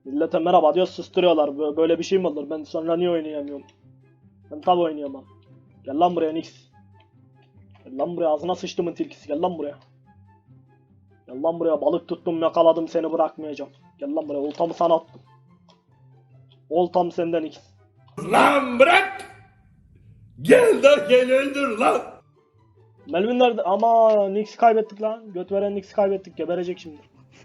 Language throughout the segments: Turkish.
Millete merhaba diyor, susturuyorlar. Böyle bir şey mi olur? Ben sonra niye oynayamıyorum? Ben tabi oynayamam. Gel lan buraya Nix. Gel lan buraya, ağzına sıçtımın tilkisi, gel lan buraya. Gel lan buraya, balık tuttum yakaladım seni, bırakmayacağım. Gel lan buraya, oltamı sana attım. Oltam senden Nix. Lan bırak! Gel de gel öldür lan! Melvin nerede? Ama Nix'i kaybettik lan. Göt veren Nix'i kaybettik, geberecek şimdi.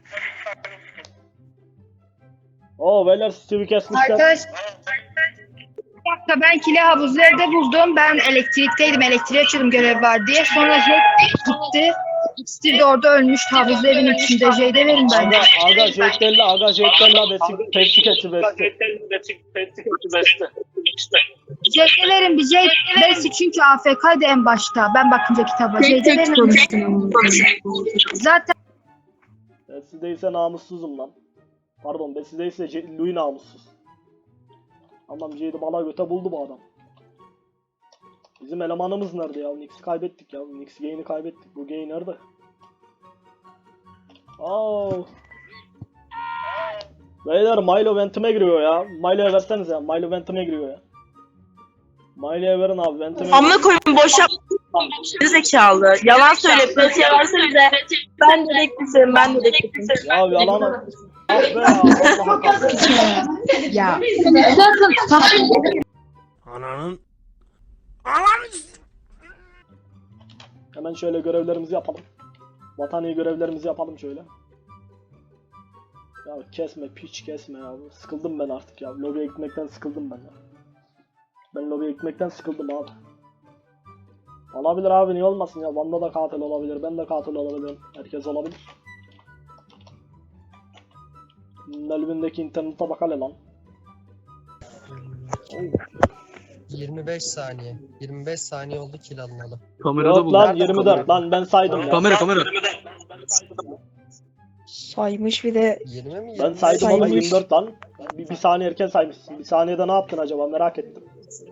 Oo beyler, Steve'i kesmişler. Arkadaş, bir dakika, ben kili havuzu evde buldum. Ben elektrikteydim. Elektriği açıyordum, görev var diye. Sonra Jet gitti. Steve de orada ölmüş. Havuzlu evin içinde. Jade'e verin bence. Aga Jet'tella Pepsi keçi besti. Jade'e verin bir Jade. Besi çünkü AFK'ydı en başta. Ben bakınca kitaba. Jade'e verin. Zaten Besi değilse namussuzum lan. Pardon, Besi değilse Louis namussuz. Tamam, Jade'i bala göte buldu bu adam. Bizim elemanımız nerede ya? Nix'i kaybettik ya. Nix gain'i kaybettik. Bu gain nerede? Oh. Beyler Milo ventime giriyor ya. Milo'ya versenize ya. Milo ventime giriyor ya. Milo'ya verin abi, ventime. Amına koyun, boş yap. Zekalı. Yalan söyle. Pratiğe verse bize. Ben dedektifim. Ya yalan. Ah be ya. Vallahi kahretsin. ya. Ananın... Hemen şöyle görevlerimizi yapalım. Vatani görevlerimizi yapalım şöyle. Ya kesme, piç kesme ya. Sıkıldım ben artık ya. Lobiye gitmekten sıkıldım ben ya. Ben lobiye gitmekten sıkıldım abi. Olabilir abi, niye olmasın ya. Van'da da katil olabilir, ben de katil olabilirim. Herkes olabilir. Melvin'deki internete bak hele lan. 25 saniye. 25 saniye oldu kill alınalı. Kamerada Yok buldum. lan, 24 lan, ben saydım ya. Kamera. Saymış bir de 20 mi? Ben saydım ama Saymış. 24 lan. Bir saniye erken saymışsın. Bir saniyede ne yaptın acaba, merak ettim.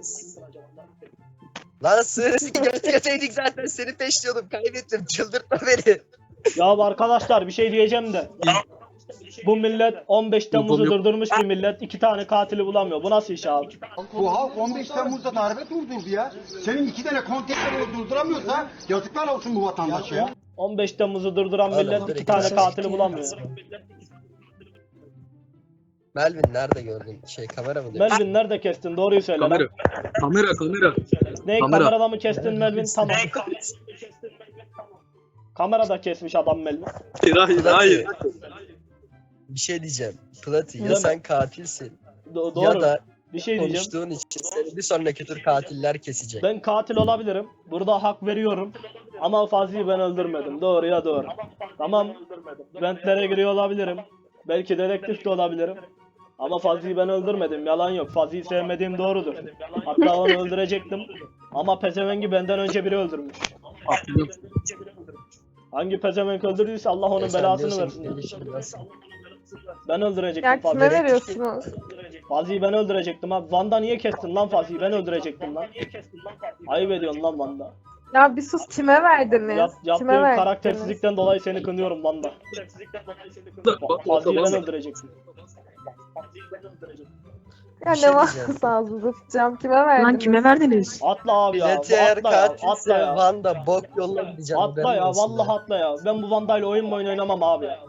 Lan sığırısı götürseydik zaten seni peşliyordum. Kaybettim. Çıldırtma beni. Ya arkadaşlar, bir şey diyeceğim de. Bu millet 15 Temmuz'u durdurmuş bir millet. 2 tane katili bulamıyor. Bu nasıl iş abi? Bu halk 15 Temmuz'da darbe durdurdu ya. Senin 2 tane konteyner durduramıyorsa yazıklar olsun bu vatandaşa ya. 15 Temmuz'u durduran Oğlum, millet 2 direkt tane mesaj katili bulamıyor. Melvin nerede gördün? Kamera mı diyor? Melvin nerede kestin? Doğruyu söyle lan. Kamera. Ne, Kamera. kamerada mı kestin Melvin? Tamam. Kamerada kesmiş adam Melvin. Hayır. Bir şey diyeceğim. Plati Deme. ya sen katilsin Doğru. ya da Bir şey diyeceğim. konuştuğun için seni bir sonraki tur katiller kesecek. Ben katil olabilirim. Burada hak veriyorum. Ama Fazi'yi ben öldürmedim. Doğru ya doğru. Tamam. Ventlere giriyor olabilirim. Belki dedektif de olabilirim. Ama Fazi'yi ben öldürmedim. Yalan yok. Fazi'yi sevmediğim doğrudur. Hatta onu öldürecektim. Ama pezevengi benden önce biri öldürmüş. Hangi pezevenk öldürdüyse Allah onun Sen belasını diyorsun versin. ki ilişki nasıl? Ben öldürecektim ya kime Fazi'yi. veriyorsunuz? Fazi'yi ben öldürecektim abi. Van'da niye kestin lan Fazi'yi? Ben öldürecektim lan. Ayıp ediyorsun lan Van'da. Ya bir sus, kime verdiniz? Yaptığın Kime verdiniz? karaktersizlikten dolayı seni kınıyorum Van'da. Fazi'yi ben öldürecektim. Ya Bir şey ne var diyeceğim. ağzınızı tutacağım, kime verdiniz? Lan kime verdiniz? Atla abi ya. Bileti eğer Atla ya. Atla katilse ya. Van'da bok yoluna gideceğim. Atla haberin ya. olsun Vallahi atla ya. Ben bu Vanda'yla oyun oynamam abi ya.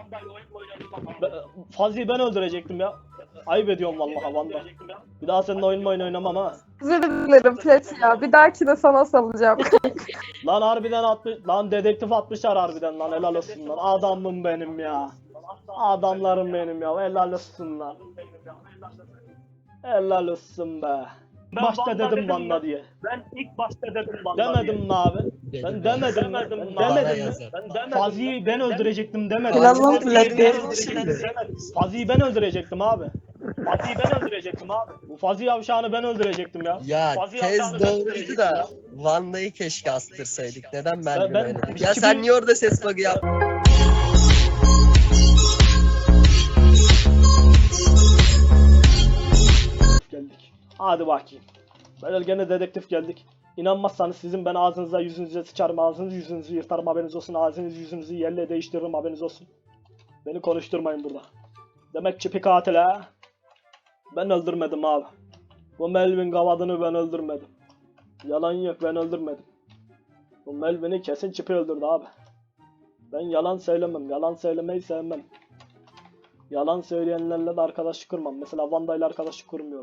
Fazi'yi ben öldürecektim ya. Ayıp ediyorum vallahi Van'da. Bir daha seninle oyun oynamam ha. Özür dilerim Plet ya. Bir dahakine sana salacağım. Lan harbiden atmış. Lan dedektif atmışlar harbiden lan. Helal olsun lan. Adamım benim ya. Adamlarım benim ya. Helal olsun lan. Helal olsun be. Başta dedim Van'da diye. Ben ilk başta dedim Van'da Demedim mi abi? Dedim Ben ya. demedim mi? Bana Demedim mi? yazar. Fazi'yi ben öldürecektim demedim. Helal lan Fatih Plet. Fazi'yi ben öldürecektim abi. Fazi'yi ben öldürecektim abi. Bu Fazi yavşağını ben öldürecektim ya. Ya Fazla tez yapacağını doğruydu da Van'da'yı keşke astırsaydık. Neden Melvin ben- öyle dedi? biz Ya kimi- sen niye orada ses bug'ı yap? Geldik. Hadi bakayım. Böyle gene dedektif geldik. İnanmazsanız sizin ben ağzınıza yüzünüze sıçarım, ağzınızı yüzünüzü yırtarım, haberiniz olsun. Ağzınızı yüzünüzü yerle değiştiririm, haberiniz olsun. Beni konuşturmayın burada. Demek çipi katil ha. Ben öldürmedim abi. Bu Melvin Gavadını ben öldürmedim. Yalan yok, ben öldürmedim. Bu Melvin'i kesin çipi öldürdü abi. Ben yalan söylemem. Yalan söylemeyi sevmem. Yalan söyleyenlerle de arkadaşlık kurmam. Mesela Vanda ile arkadaşlık kurmuyorum.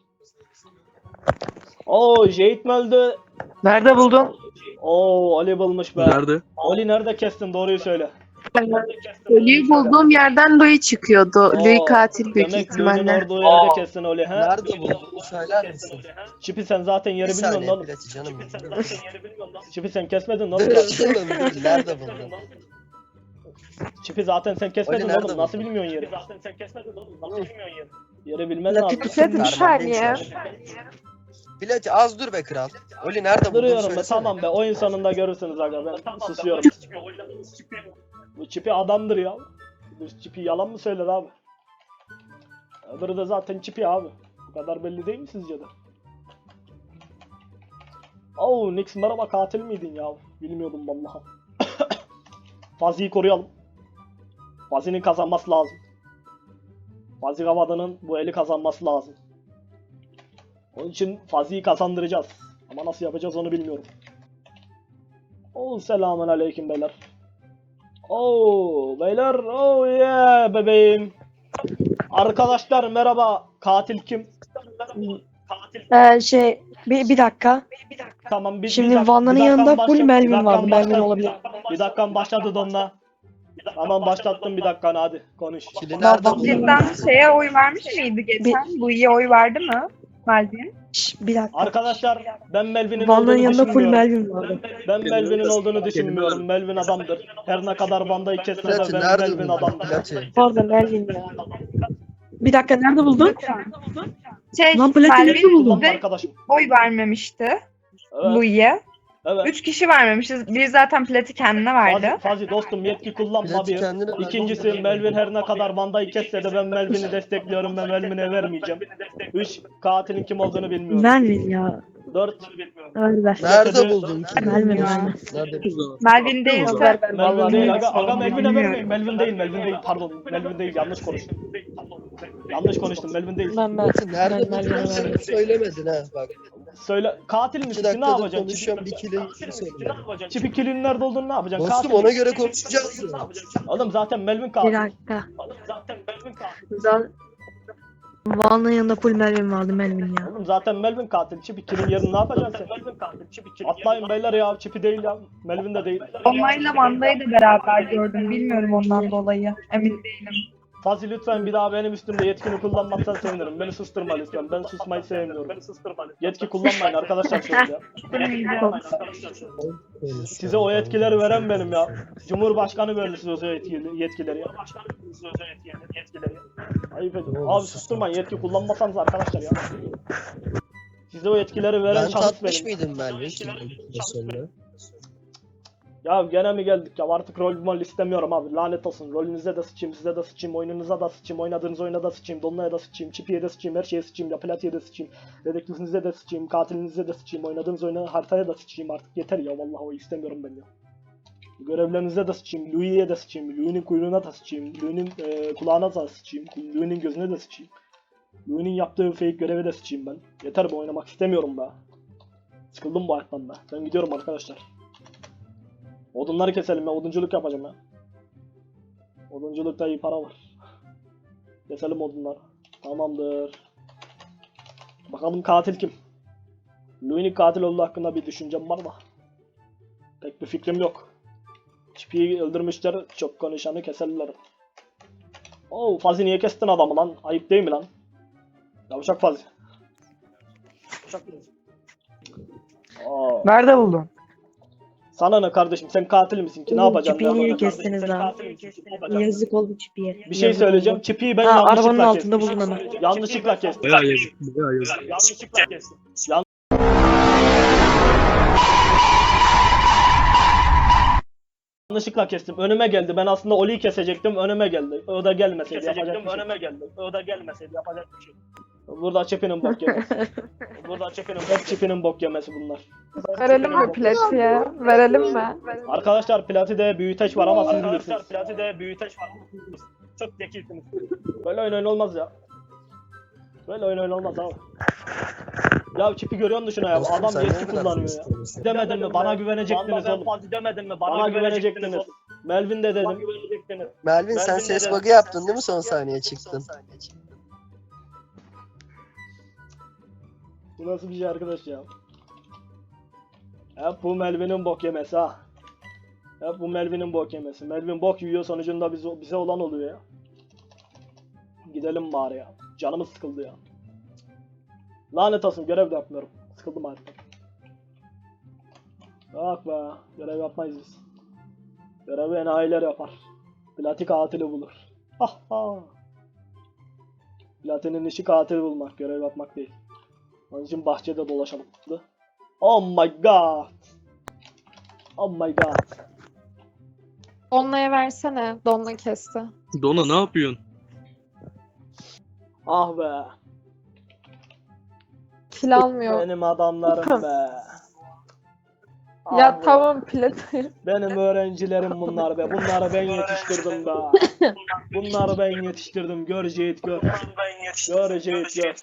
Oo, Jade mi öldü? Nerede buldun? Oo, Ali bulmuş be. Nerede? Ali nerede kestin? Doğruyu söyle. Ölüyü bulduğum yerden Louis çıkıyordu. Oo, Louis katil büyük Demek Louis'nin ihtimalle. orada o yerde kestin Ali ha? Nerede buldun? Söyler misin? Çipi sen zaten yeri Bir bilmiyorsun saniye oğlum. Plati canım. Çipi sen kesmedin oğlum. Canım, nerede buldun? Çipi zaten sen kesmedin Ali nerede oğlum. Nasıl buldun? bilmiyorsun yeri? Zaten sen kesmedin oğlum. Nasıl bilmiyorsun yeri? Yeri bilmen La lazım. Plati bir saniye. Plati az dur be kral. Oli nerede buldun? Duruyorum be, Söylesene. tamam be. Oyun sonunda görürsünüz aga, ben susuyorum. Bu Çipi adamdır ya. Bu Çipi yalan mı söyler abi? Öbürü de zaten Çipi abi. Bu kadar belli değil mi sizce de? Oo, Nix merhaba, katil miydin ya? Bilmiyordum vallahi. Fazi'yi koruyalım. Fazi'nin kazanması lazım. Fazi Gavada'nın bu eli kazanması lazım. Onun için Fazi'yi kazandıracağız. Ama nasıl yapacağız onu bilmiyorum. Oo, selamun aleyküm beyler. Oo beyler, oh yeah bebeğim. Arkadaşlar merhaba. Katil kim? Bir dakika. Tamam, biz Şimdi Vanda'nın yanında full Melvin vardı. Melvin olabilir. Bir dakikan başladı Donna. Tamam, başlattım, bir dakikanı, hadi konuş. Kili nerede buldun? Cidden şeye oy vermiş miydi geçen? Bu iyi oy verdi mi? Melvin. Bir dakika. Arkadaşlar ben Melvin'in Vanda'nın olduğunu yanında full düşünmüyorum. Melvin vardı. Ben Melvin'in olduğunu düşünmüyorum. Melvin adamdır. Her ne kadar Vanda'yı kesse de Plati ben nerede Melvin buldun? adamdır. Plati. Pardon Melvin ya. Bir dakika nerede buldun? Şey, Lan Plati nerede Melvin buldun? Kullanma de arkadaşım. oy vermemişti Evet, Louis'e. evet. 3 kişi vermemişiz. Biri zaten Plati kendine verdi. Fazi dostum, yetki kullanma Plati bir. kendine İkincisi, Melvin her ne kadar Vanda'yı kesse de ben Melvin'i destekliyorum ve Melvin'e vermeyeceğim. 3, katilin kim olduğunu bilmiyorum. Melvin ya. 4, Öyle ver. Nerede buldun? Melvin Ya. Melvin. Nerede buldun? Melvin değilse Melvin değil aga, bilmiyorum. Melvin'e vermeyin. Melvin değil, pardon. Melvin değil, yanlış konuştum. Yanlış konuştum, Melvin değil. Plati nerede buldun? Sen söylemedin ha bak. Söyle, katil 2 misin? Ne dakikadır yapacaksın? konuşuyorum bir kili söyle. Çipi kilinin nerede olduğunu ne yapacaksın? Dostum Katil. ona göre konuşacağız ya. Oğlum zaten Melvin Bir katil. dakika. Vanda'nın yanında full Melvin vardı Melvin ya. Oğlum zaten Melvin katil. Çipi kilin yerini ne yapacaksın sen? Atlayın beyler ya, Çipi değil ya. Melvin de değil. Onlarla Vanda'yı da beraber gördüm. Bilmiyorum ondan dolayı. Emin değilim. Fazi lütfen bir daha benim üstümde yetkini kullanmazsan sevinirim. Beni susturma lütfen. Ben susmayı sevmiyorum. Yetki kullanmayın arkadaşlar şöyle ya. Size o yetkileri veren benim ya. Cumhurbaşkanı verdi size o yetkileri ya. Ayıp ediyorum. Abi susturmayın, yetki kullanmasanız arkadaşlar ya. Size o yetkileri veren Ben şahıs tatmış benim. mıydım Melvin şimdi? Ya gene mi geldik ya, artık rol mol istemiyorum abi, lanet olsun. Rolünüze de sıçayım, size de sıçayım, oyununuza da sıçayım, oynadığınız oyuna da sıçayım, Donna'ya da sıçayım, Çipi'ye de sıçayım, her şeye sıçayım, ya Plati'ye de sıçayım, dedektifinize de sıçayım, katilinize de sıçayım, oynadığınız oyuna, haritaya da sıçayım, artık yeter ya, vallahi o istemiyorum ben ya. Görevlerinize de sıçayım, Louis'e de sıçayım, Louis'nin kuyruğuna da sıçayım, Louis'nin kulağına da sıçayım, Louis'nin gözüne de sıçayım, Louis'nin yaptığı fake göreve de sıçayım ben. Yeter be, oynamak istemiyorum be. Sıkıldım bu hayattan be. Ben gidiyorum arkadaşlar. Odunları keselim ya, odunculuk yapacağım ya. Odunculukta iyi para var. Keselim odunları. Tamamdır. Bakalım katil kim? Louis'nin katil olduğu hakkında bir düşüncem var da pek bir fikrim yok. Çipi'yi öldürmüşler, çok konuşanı keserler. Oo, Fazi niye kestin adamı lan? Ayıp değil mi lan? Yavşak Fazi. Aa. Nerede buldun? Sana ne kardeşim, sen katil misin ki, ne yapacaksın? Çipi'yi niye Ne yapacaksın? kestiniz lan? Yazık oldu Çipi'ye. Bir şey söyleyeceğim. Çipi'yi ben Ha, yanlışlıkla arabanın kestim. altında buldum hemen. Yanlışlıkla kestim. Bayağı yazık. Bayağı yazık. Yanlışlıkla kestim. Önüme geldi. Ben aslında Oli'yi kesecektim. Önüme geldi. O da gelmeseydi yapacak bir şey. Önüme geldi. O da gelmeseydi yapacak bir şey. Burada Çipi'nin bok yemesi. Hep Çipi'nin bok yemesi bunlar. Verelim mi Plati'ye? Verelim mi? Arkadaşlar Plati'de büyüteç var ama siz bilirsiniz. Platide büyüteç var. Çok zekisiniz. Böyle oyun olmaz ya. Böyle oyun olmaz abi. Ya çipi görüyor musun şuna ya? Dostum, Adam sen yetki niye bu kadar kullanıyor ya. sinirlisin? Demedim mi? Bana güvenecektiniz oğlum. Fazla demedin mi? Bana güvenecektiniz. oğlum. Melvin de Bana dedim. güvenecektiniz. Melvin sen Melvin ses dedi. bug'ı yaptın değil mi son saniye çıktın? Bu nasıl bir şey arkadaş ya? Hep bu Melvin'in bok yemesi ha. Hep bu Melvin'in bok yemesi. Melvin bok yiyor, sonucunda bize olan oluyor ya. Gidelim bari ya. Canımız sıkıldı ya. Lanet olsun, görev de yapmıyorum. Sıkıldım artık. Bak be, görev yapmayız biz. Görevi enayiler yapar. Plati katili bulur. Ha ha. Platinin işi katil bulmak, görev yapmak değil. Onun için bahçede dolaşalım. Oh my god. Oh my god. Donna'ya versene. Donna kesti. Dona ne yapıyorsun? Ah be. Kil almıyor. Benim adamlarım be. Ya Ah be. tamam Plati. Benim öğrencilerim bunlar be. Bunları ben yetiştirdim be. Bunları ben yetiştirdim. Gör Ceyit gör. Gör Ceyit gör.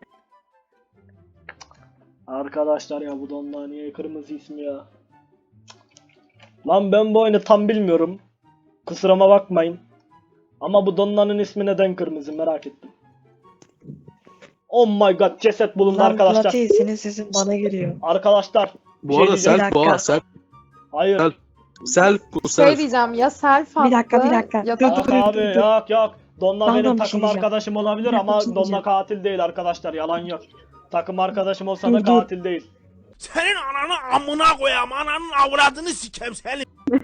Arkadaşlar ya bu donlar niye kırmızı ismi ya? Lan ben bu oyunu tam bilmiyorum. Kusuruma bakmayın. Ama bu donlanın ismi neden kırmızı merak ettim. Oh my god, ceset bulundu arkadaşlar. senin sesin bana geliyor. Arkadaşlar. Bu şey arada diyeceğim. self bu ha self. Hayır. Self. Self bu Şey self. diyeceğim ya self attı. Bir dakika. Ya Dur, Yok dur, abi yok. Donna Pardon, benim bir şey takım diyeceğim. arkadaşım olabilir Bir ama şey Donna diyeceğim. katil değil arkadaşlar, yalan yok. Takım arkadaşım olsa da Dur, dur. katil değil. Senin ananı amına koyam, ananın avradını sikem seni.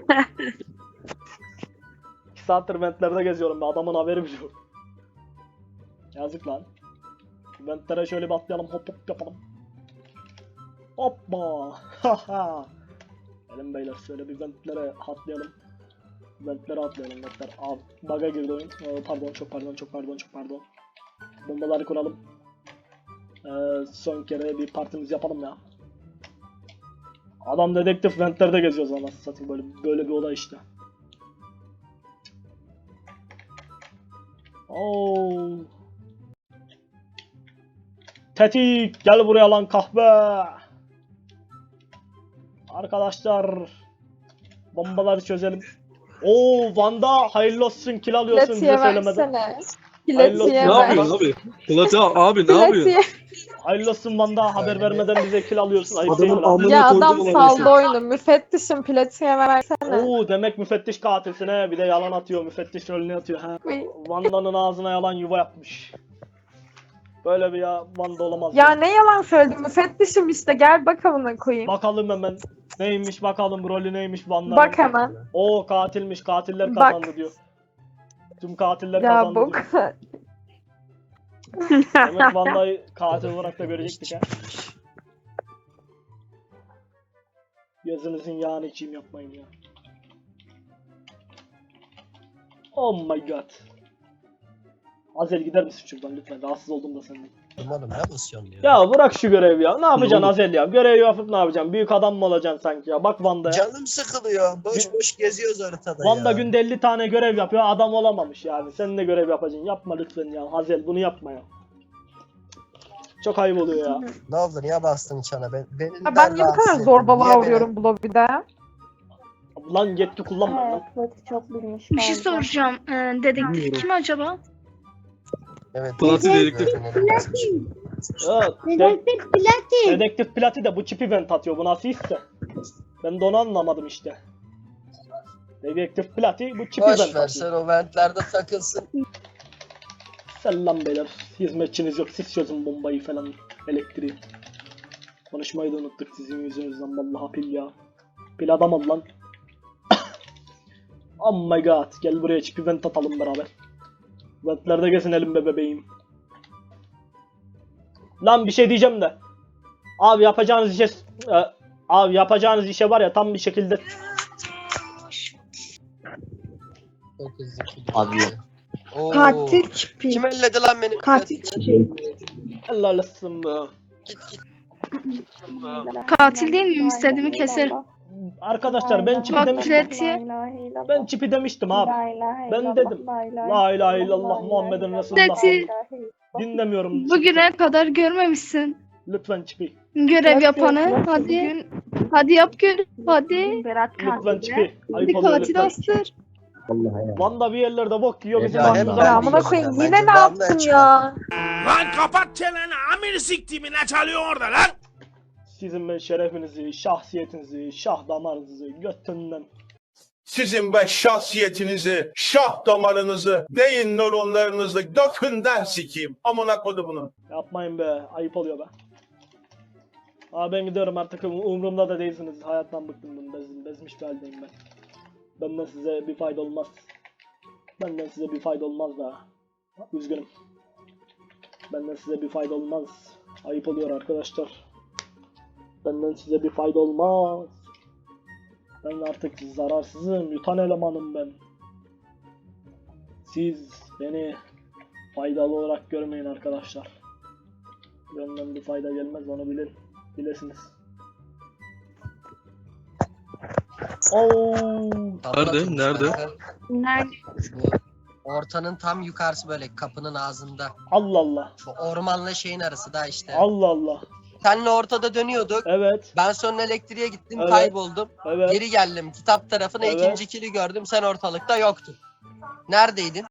2 saattir ventlerde geziyorum be, adamın haberi bile yok. Yazık lan. Ventlere şöyle bir atlayalım, hop hop yapalım. Hoppa. Haha. Gelin beyler şöyle bir ventlere atlayalım. Ventlere atlayalım ventler. Abi bug'a girdi oyun. Çok pardon. Bombaları kuralım. Son kere bir partimiz yapalım ya. Adam dedektif ventlerde geziyoruz anasını satayım, böyle bir olay işte. Oo. Tetik gel buraya lan kahve. Arkadaşlar bombaları çözelim. Oo Van'da hayırlı olsun, kill alıyorsun bize Plati'ye söylemeden. versene. Hayırlı Plati'ye Ne olsun. ver. yapıyorsun abi? Plati abi ne yapıyorsun? Plati'ye. Hayırlı olsun Van'da, haber vermeden bize kill alıyorsun. Ayıp değil mi Adamın lan? amına Ya koydum adam olan saldı neyse. oyunu. Müfettişim Plati'ye versene. Oo demek müfettiş katilsin he, bir de yalan atıyor, müfettiş rolünü atıyor ha. Vanda'nın ağzına yalan yuva yapmış. Böyle bir ya Vanda olamaz. Ya ne yalan söyledim. Müfettişim işte. Gel bak amına koyayım. Bakalım hemen neymiş, bakalım rolü neymiş Vanda'nın. Bak hemen. Oo katilmiş, katiller Bak. kazandı diyor. Tüm katiller Ya kazandı bu diyor. Demek Vanda'yı katil olarak da görecektik ha. Gözünüzün yağını içeyim, yapmayın ya. Oh my god. Azel gider misin şuradan lütfen, rahatsız oldum da senden. Oğlum ne basıyorsun ya? Ya bırak şu görevi ya, ne yapacaksın oğlum? Azel ya, görevi yapıp ne yapacaksın, büyük adam mı olacaksın sanki ya, bak Vanda'ya. Canım sıkılıyor. Boş boş geziyoruz haritada Vanda ya. günde 50 tane görev yapıyor, adam olamamış yani, sen de görev yapacaksın, yapma lütfen ya Azel, bunu yapma ya. Çok ayıp oluyor ya. Ne oldu niye bastın çana? Beni Ya ben niye bu kadar zorbalığa uğruyorum bu lobide? Lan yetki kullanma lan. Bir şey soracağım. Dedektif kim acaba? Evet. Plati dedektif. Evet, Dedektif Plati de bu çipi vent atıyor, bu nasıl hisse? Ben de onu anlamadım işte. Dedektif Plati bu çipi Boş vent ver atıyor. sen o ventlerde takılsın. Selam beyler, hizmetçiniz yok, siz çözün bombayı falan, elektriği. Konuşmayı da unuttuk sizin yüzünüzden, vallahi pil ya. Pil adam ol lan. Oh my god, gel buraya çipi vent atalım beraber. Ventlerde gezinelim be bebeğim. Lan bir şey diyeceğim de. Abi yapacağınız işe var ya, tam bir şekilde. Çok hızlı. Abi. Oo. Katil çipi. Kim elledi lan beni? Katil çipi. Helal olsun be. Git. Katil değil miyim? İstediğimi keserim. Arkadaşlar ben çipi Bak demiştim. Preti. Ben çipi demiştim abi. Ben dedim. La ilahe illallah Muhammeden Resulullah. Preti Dinlemiyorum. bugüne kadar görmemişsin Lütfen çipi. görev yapanı. Hadi. Hadi yap görev. Hadi. Lütfen çipi. Ayıp Bir oluyor katil lütfen. astır. Vanda bir yerlerde bok yiyor bizim Ya, başımıza. ben Ya amına biliyorum koyayım ya, yine bence ne yaptın damla ya? Lan kapat çeneni amir siktiğimi ne çalıyor orada lan? Sizin ben şerefinizi, şahsiyetinizi, şah damarınızı götünden. Sizin be şahsiyetinizi, şah damarınızı, beyin nöronlarınızı gökünden sikeyim. Amına kodumunun. Yapmayın be. Ayıp oluyor be. Abi ben gidiyorum artık umurumda da değilsiniz. Hayattan bıktım ben. Bezmiş bir haldeyim ben. Benden size bir fayda olmaz. Benden size bir fayda olmaz da. Üzgünüm. Benden size bir fayda olmaz. Ayıp oluyor arkadaşlar. Benden size bir fayda olmaz. Ben artık zararsızım. Yutan elemanım ben. Siz beni faydalı olarak görmeyin arkadaşlar. Benden bir fayda gelmez onu bilin. Bilesiniz. Oo. Nerede? Nerede? Nerede? Ortanın tam yukarısı böyle kapının ağzında. Allah Allah. Şu ormanla şeyin arası da işte. Allah Allah. Senle ortada dönüyorduk. Evet. Ben sonra elektriğe gittim, Evet. kayboldum. Evet. Geri geldim. Kitap tarafına Evet. ikinci kili gördüm. Sen ortalıkta yoktun. Neredeydin?